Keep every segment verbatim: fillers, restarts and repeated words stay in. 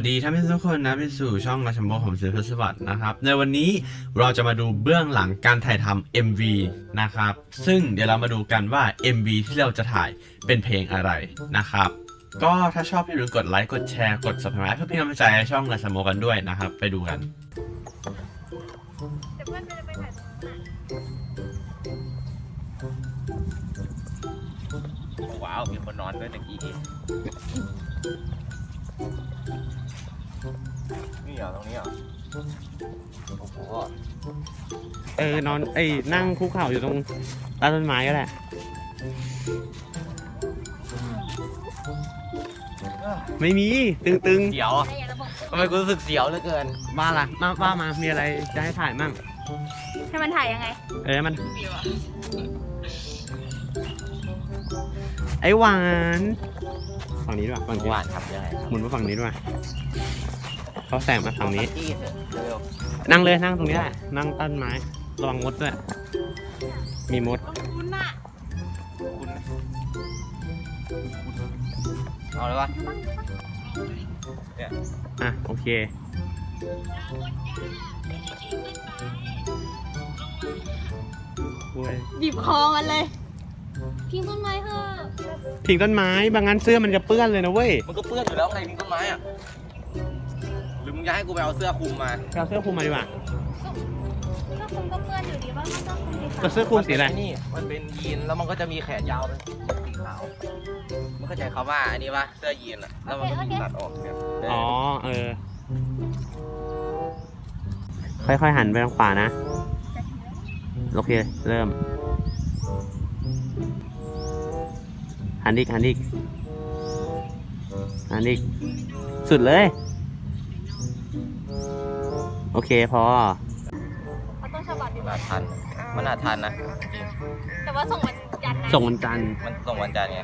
ดีท่านผู้ชมทุกคนนะไปสู่ช่องราชมโบผมศิลป์สวัสดิ์นะครับในวันนี้เราจะมาดูเบื้องหลังการถ่ายทำ เอ็ม วี นะครับซึ่งเดี๋ยวเรามาดูกันว่า เอ็ม วี ที่เราจะถ่ายเป็นเพลงอะไรนะครับก็ถ้าชอบอย่าลืมกดไลค์กดแชร์กด ซับสไครบ์ เพื่อเป็นกำลังใจให้ช่องราชมโบกันด้วยนะครับไปดูกันแต่เพื่อนจะไปถ่ายตรงนั้นว้าวมีคนนอนด้วยตะกี้นี่เหรอตรงนี้เหรอโอ้โหเออนอนเอ้ยนั่งคุกเข่าอยู่ตรงใต้ต้นไม้ก็แหละไม่มีตึงๆเสียวทำไมกูรู้สึกเสียวเหลือเกินมาล่ะมาว่ามามีอะไรจะให้ถ่ายมั่งให้มันถ่ายยังไงเออมันไอ้หวานฝั่งนี้ด้วยฝั่งนี้หวานครับยังไงหมุนมาฝั่งนี้ด้วยเขาแสงมาฝั่งนี้เร็วนั่งเลยนั่งตรงนี้แหละนั่งต้นไม้ระวังมดด้วยมีมดคุณน่ะคุณเอาเลยวะเนี่ยอ่ะโอเคบีบคอมันเลยพิงต้นไม้เถอะพิงต้นไม้บางงั้นเสื้อมันจะเปื้อนเลยนะเว้ยมันก็เปื้อนอยู่แล้วไงพิงต้นไม้อ่ะหรือมึงจะให้กูไปเอาเสื้อคลุมมาเอาเสื้อคลุมมาดีกว่าเสื้อคลุมก็เปื้อนอยู่ดีว่ามันต้องคลุมสีขาวเสื้อคลุมสีอะไรนี่มันเป็นยีนแล้วมันก็จะมีแขนยาวเป็นสีขาวมันเข้าใจคำว่าอันนี้ปะเสื้อยีนอ่ะแล้วมันก็มีตัดออกเนี่ยอ๋อเออค่อยๆหันไปทางขวานะโอเคเริ่มหันอีกหันอีกหันอีกสุดเลยโอเคพอเอาต้นฉบับดีกว่าทันมันน่าทันนะแต่ว่าส่งวันจันทร์นะส่งวันจันทร์มันส่งวันจันทร์ไง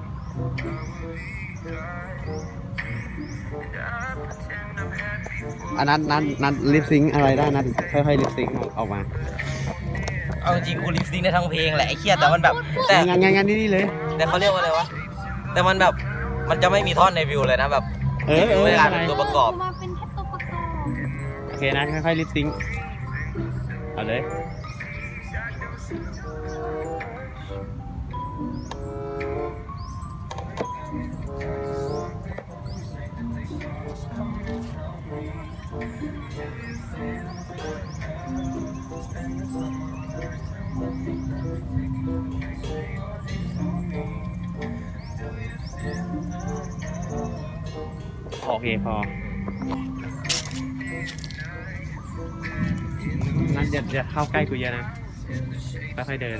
อันนั้นนัดนัดลิปซิงอะไรได้นัดค่อยๆลิปซิงออกมาเอาจริงกูลิปซิงได้ทั้งเพลงแหละไอ้เคียแต่มันแบบแต่งานงานงานนี่เลยแต่เขาเรียกว่าอะไรวะแต่มันแบบมันจะไม่มีท่อนในวิวเลยนะแบบเออเออเวลาเป็นตัวประกอบมาเป็นแค่ตัวประกอบโอเคนะค่อยๆลิปซิงเอาเลยโอเคพอนั่นอย่าอย่าเข้าใกล้กูเยอะนะค่อยๆเดิน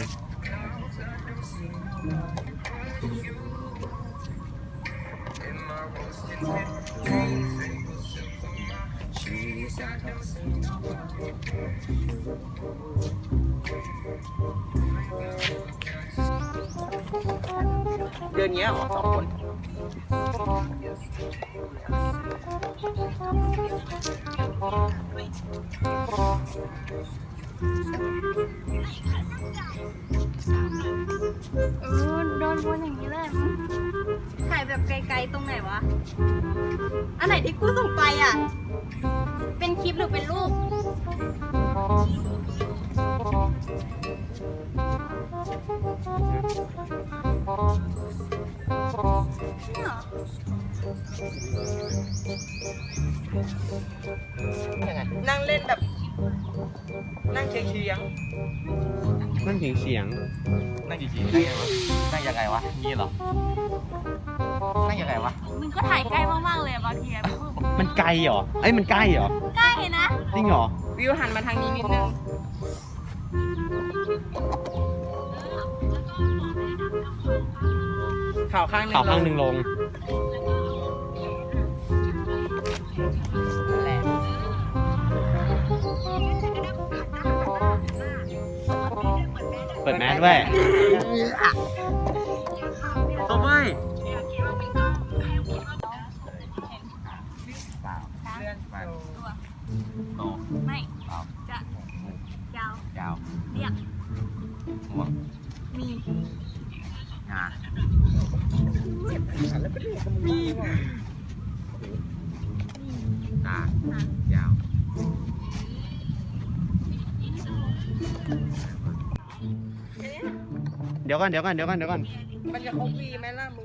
เดือนนี้ออกสองคนเออโดนวนอย่างนี้เลยถ่ายแบบไกลๆตรงไหนวะอันไหนที่กูส่งไปอ่ะเป็นคลิปหรือเป็นรูปนั่งเล่นแบบนั่งเฉียงเฉียงนั่นเสียงเสียงนั่งกี่ทีนั่งยังไงวะนี่เหรอนั่งยังไงวะมึงก็ถ่ายใกล้มากๆเลยบางทีมันไกลเหรอไอ้มันใกล้เหรอใกล้นะจริงเหรอวิวหันมาทางนี้นิดนึงข่าวข้างหนึ่งข่าวข้างหนึ่งลงเปิดแมสด้วยตัวไม่ไม่จะยาวยาวเรียกม่วงมีงามียาวเดี๋ยวก่อนเดี๋ยวก่อนเดี๋ยวก่อนเดี๋ยวก่อนมันจะครบวีไหมล่ะมึง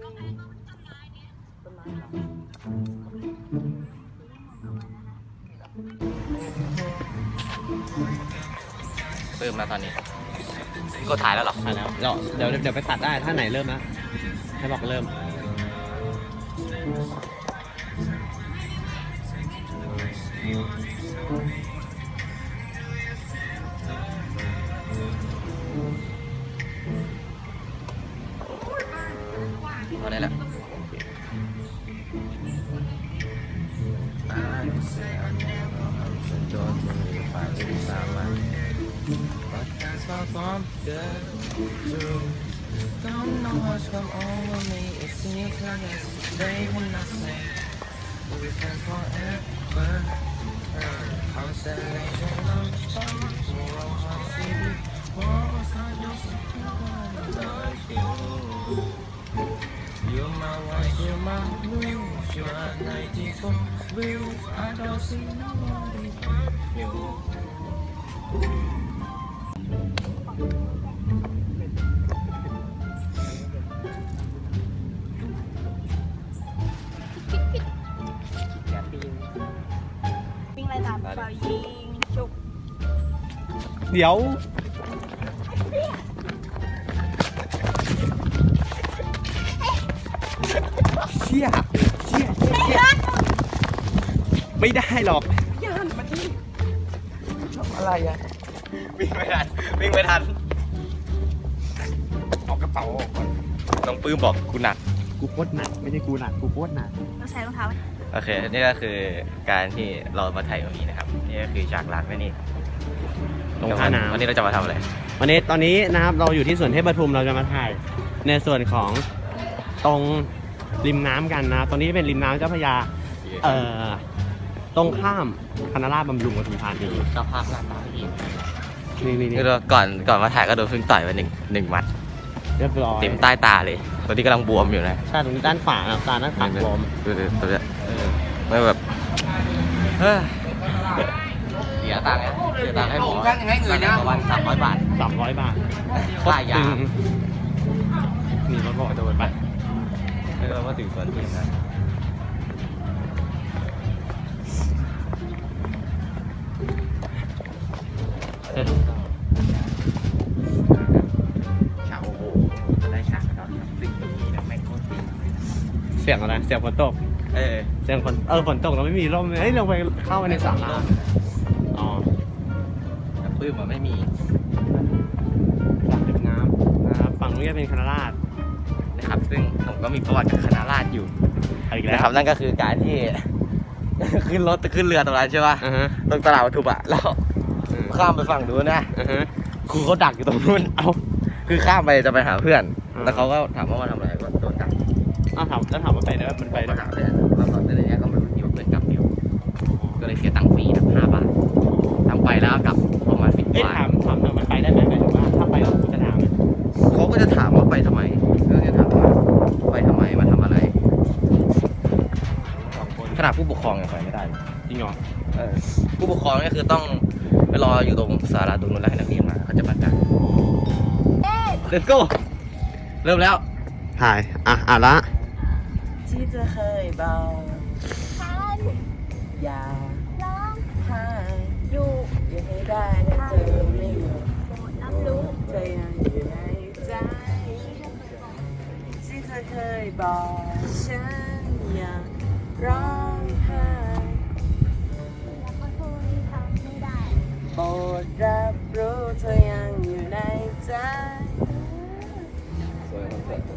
เริ่มแล้วตอนนี้กดถ่ายแล้วเหรอถ่ายแล้วเดี๋ยวเดี๋ยวเดี๋ยวไปตัดได้ถ้าไหนเริ่มนะให้บอกเริ่มเอาได้แล้วอย่าปีนวิ่งไล่ตามเปล่ายิงฉุกเดี๋ยวเชี่ยเชี่ยเชี่ยเชี่ยไม่ได้หรอกอะไรอะวิ่งไม่ทันวิ่งไม่ทันเอากระเป๋าออกก่อนน้องปื้มบอกกูหนักกูโคตรหนักไม่ใช่กูหนักกูโคตรหนักเราใส่รองเท้าโอเค นี่ก็คือการที่เรามาถ่ายตรงนี้นะครับ นี่ก็คือฉากหลังนั่นนี่ตรงท่าน้ำวันนี้เราจะมาทำอะไรวันนี้ตอนนี้นะครับเราอยู่ที่สวนเทพปทุมเราจะมาถ่ายในส่วนของตรงริมน้ำกันนะตรงนี้เป็นริมน้ำเจ้าพระยาเอ่อตรงข้ามคณะราษฎรบำรุงปทุมธานีสภาพหน้าตาที่นี่นี่นี่คือก่อนก่อนมาถ่ายก็โดนพึ่งต่อยไปหนึ่งหนึ่งมัดเรียบร้อยเต็มใต้ตาเลยตอนนี้กำลังบวมอยู่นะใช่ตรงนี้ด้านขวานะตาด้านขวาบวมดูดูตัวเนี้ยไม่แบบเฮ้ยเสียตังค์นะเสียตังค์ให้หมอประมาณสามร้อยบาทสามร้อยบาทค่ายาตึงนี่รถบอกโดนไปไม่รู้ว่าถึงสวนจริงนะฉากโอ้โหได้ฉากแล้วสิ่งนี้นะแม่งโคตรดีเสียงอะไรเสียงฝนตกเออเสียงฝนเออฝนตกเราไม่มีร่มเฮ้ยเราไปเข้าไปในสระน้ำอ๋อแต่ปื้มมันไม่มีสระริมน้ำนะครับฝั่งนู้นจะเป็นคณะราษฎรนะครับ ซึ่งผมก็มีประวัติกับคณะราษฎรอยู่อีกแล้นะวครับนั่นก็คือการที่ ขึ้นรถขึ้นเรือตรงนั้นใช่ป่ะอ่าฮะตรงตลาดวัตถุบะแล้วข้ามไปฝั่งนู้นนะอ่าฮะครูเขาดักอยู่ตรงนู้น เอาคือข้ามไปจะไปหาเพื่อนอ่าแล้วเขาก็ถามว่ามาทำอะไรก็โดนดักอ้าวถามแล้วถามว่าไปได้ไหมมันไปได้มาไหมหาเพื่อนแล้วตอนนี้ก็ไม่รู้ที่ว่าเพื่อนกลับอยู่ก็เลยเสียตังค์ฟรีนะห้าบาททำไปแล้วกลับประมาณสิบเอ้ยบาทถามถามหน่อยมันไปได้ไหมหมายถึงว่าถ้าไปแล้วกูจะถามไหมเขาก็จะถามว่าไปทำไมก็จะถามว่าไปทำไมมาทำอะไรสองคนขนาดผู้ปกครองยังไปไม่ได้เลยจริงเหรอเออผู้ปกครองนี่คือต้องไปรออยู่ตรงศาลาตรงนู้นแล้วให้นักเรียนมาเขาจะประกาศ Let's go เริ่มแล้วถ่ายอ่ะอ่ะละที่จะเคยบอกทันอย่าร้องให้อยู่อย่าให้ได้ถ้าเธอไม่อยู่รับรู้เธอยังอยู่ในใจที่เธอเคยบอกฉันอยากร้องไห้แล้วก็โทษที่ทำไม่ได้โปรดรับรู้เธอยังอยู่ในใจสวยคอนเซ็ปต์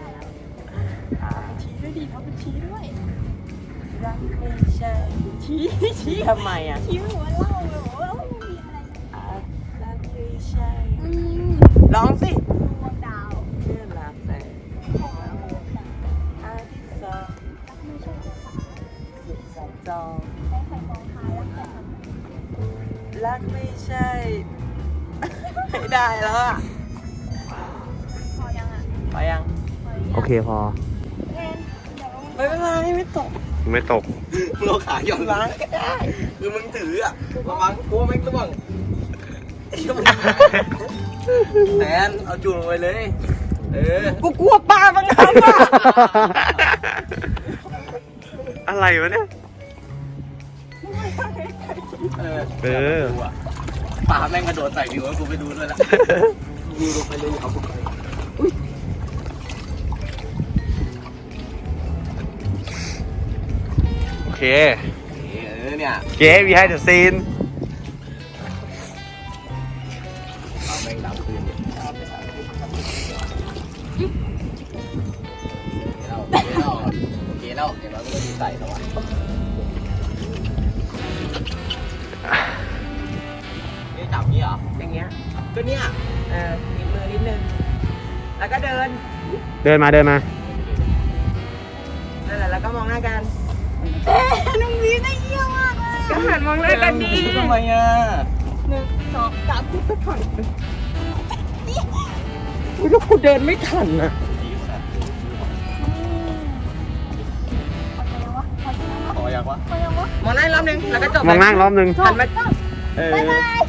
ชี้ด้วยดีเขาเป็นชี้ด้วยรักไม่ใช่ชี้ชี้ทำไมอ่ะชี้หัวเล่าเลยว่าไม่มีอะไรอาจรักไม่ใช่อืมร้องสิดวงดาวเพื่อลาแฟนขอดวงดาวอาทิตย์สองรักไม่ใช่ภาษาสิบสองจองใช้ไข่กองท้ายรักแต่ทำไมรักไม่ใช่ ไม่ได้แล้วอ่ะพอยังอ่ะไปยังพอยังโอเคพอเอ็นเดี๋ยวไม่เป็นไรไม่ตกไม่ตกมึงเอาขาย่อนล้างก็ได้คือมึงถืออะระวังกลัวแม่งร่วงไอ้เหี้ยมึงแทนเอาจุ่มลงไปเลย เออ กูกลัวปลาบางครั้งอะอะไรวะเนี่ยเออเออกูอะปลาแม่งกระโดดใส่ดิวให้กูไปดูด้วยละดิวลงไปเลยเอากูไปโอเคเออเนี่ยเก๋ behind the scene ปลาแม่งดำขึ้นโอเคแล้วโอเคแล้วเดี๋ยวเราก็จะใส่แล้วอะนี่จับนี่เหรออย่างเงี้ยก็เนี่ยเออนิดมือนิดนึง แล้วก็เดินเดินมาเดินมานั่นแหละ แล้วก็มองหน้ากันเอ๊ะน้องวีได้เยี่ยมมากเลยก็หันมองหน้ากันดีทำไมอ่ะหนึ่งสองสามสี่อุ๊ยแล้วกูเดินไม่ทันอ่ะขออยากวะมองหน้าอีกรอบนึง แล้วก็จบมองหน้ารอบนึงหันมาเออบ๊ายบาย